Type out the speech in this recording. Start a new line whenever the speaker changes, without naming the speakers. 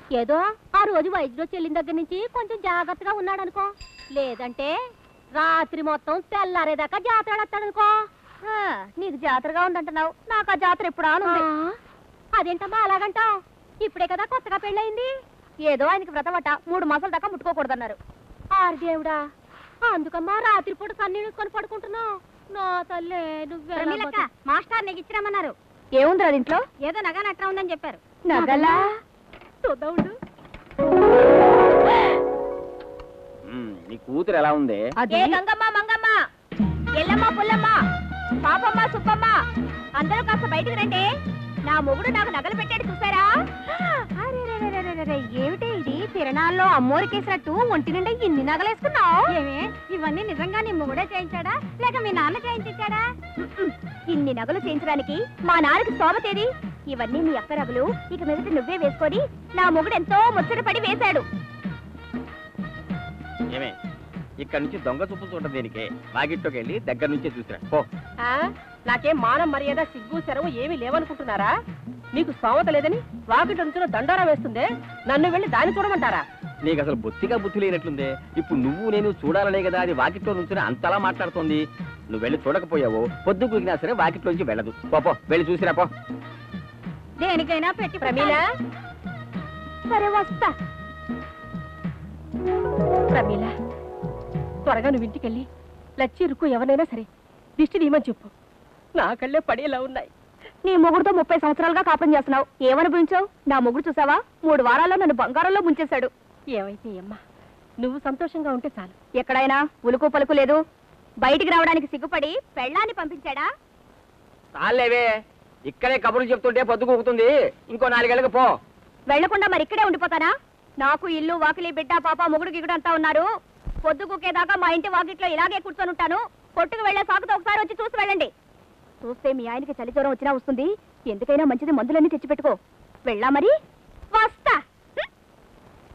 ఏదో ఆ రోజు వైద్యుడు చెల్లిన దగ్గర నుంచి కొంచెం జాగ్రత్తగా ఉన్నాడు అనుకో. లేదంటే రాత్రి మొత్తం తెల్లారేదాకా జాతర వస్తాడనుకో. నీకు జాతరగా ఉందంటున్నావు, నాకు ఆ జాతర ఎప్పుడు ఆనుంది. అదేంటమ్మా అలాగంటావు? ఇప్పుడే కదా కొత్తగా పెళ్ళయింది. ఏదో ఆయనకి వ్రతమట, 3 మాసాల దాకా ముట్టుకోకూడదన్నారు. ఆరు దేవుడా, అందుకమ్మా రాత్రిపూట కన్నీళ్ళుకొని పడుకుంటున్నావు. నా తల్లే నువ్వే. మాస్టర్ నీకు ఇచ్చిరామన్నారు. ఏముంది అది ఇంట్లో? ఏదో నగ నట్రా ఉందని చెప్పారు. నగలా చూద్దాం.
నీ కూతురు ఎలా ఉంది?
గంగమ్మ, మంగమ్మ, ఎల్లమ్మ, పుల్లమ్మ, పాపమ్మ, సుబ్బమ్మ, అందరూ కాస్త బయటకు రండి. నా మొగుడు నాకు నగలు పెట్టాడు చూసారా? ఏమిటి ఇది? తిరణాల్లో అమ్మోరికేసినట్టు ఒంటి నిండా ఇన్ని నగలేసుకున్నావు. ఏమే ఇవన్నీ నిజంగా నీ మొగుడే చేయించాడా లేక మీ నాన్న చేయించాడా? ఇన్ని నగలు చేయించడానికి మా నాన్నకి స్తోమతేది? ఇవన్నీ మీ అక్క నగలు. ఇక మీదట నువ్వే వేసుకొని నా మొగుడు ఎంతో ముచ్చటపడి వేశాడు.
ఏమే ఇక్కడ నుంచి దొంగ చూపు చూడటం దేనికే? వాకిట్లోకి వెళ్ళి దగ్గర నుంచే చూసిరా పో.
నాకేం మానం మర్యాద సిగ్గు శరవు ఏమీ లేవనుకుంటున్నారా? నీకు స్తోమత లేదని వాకిట్ నుంచి దండోరా వేస్తుందే, నన్ను వెళ్ళి దాన్ని చూడమంటారా?
నీకు అసలు బొత్తిగా బుద్ధి లేనట్లుందే. ఇప్పుడు నువ్వు నేను చూడాలనే కదా అది వాకిట్లో నుంచి అంతలా మాట్లాడుతోంది. నువ్వు వెళ్ళి చూడకపోయావు, పొద్దు కూకినా సరే వాకిట్లో నుంచి వెళ్ళదు. పో వెళ్ళి చూసిరా పో.
దేనికైనా పెట్టి ప్రమీల. సరే వస్తా.
ప్రమీల, త్వరగా నువ్వు ఇంటికెళ్ళి లచ్చి రుక్కు ఎవరైనా సరే దిష్టి తీయమని చెప్పు. నా కళ్ళే పడేలా ఉన్నాయి.
నీ మొగుడుతో 30 సంవత్సరాలుగా కాపురం చేస్తున్నావు, ఏమనిపించావు? నా మొగుడు చూసావా, 3 వారాల్లో నన్ను బంగారంలో ముంచేశాడు.
ఏమైతే అమ్మా, నువ్వు సంతోషంగా ఉంటే చాలు.
ఎక్కడైనా ఉలుకు పలుకు లేదు. బయటికి రావడానికి సిగ్గుపడి పెళ్ళాన్ని పంపించాడా?
చాలేవే, ఇక్కడే కబుర్లు చెప్తుంటే పొద్దు కూకుతుంది. ఇంకో 4 గంటలకు పో.
వెళ్లకుండా మరి ఇక్కడే ఉండిపోతానా? నాకు ఇల్లు వాకిలి బిడ్డ పాప మొగుడు గిగుడు అంతా ఉన్నారు. పొద్దు కూకేదాకా మా ఇంటి వాకిట్లో ఇలాగే కూర్చొని ఉంటాను. కొట్టుకు వెళ్లే సాకుతో ఒకసారి వచ్చి చూసి వెళ్ళండి. చూస్తే మీ ఆయనకి చలి జ్వరం వచ్చినా వస్తుంది. ఎందుకైనా మంచిది మందులన్నీ తెచ్చిపెట్టుకో. వెళ్ళా మరి, వస్తా.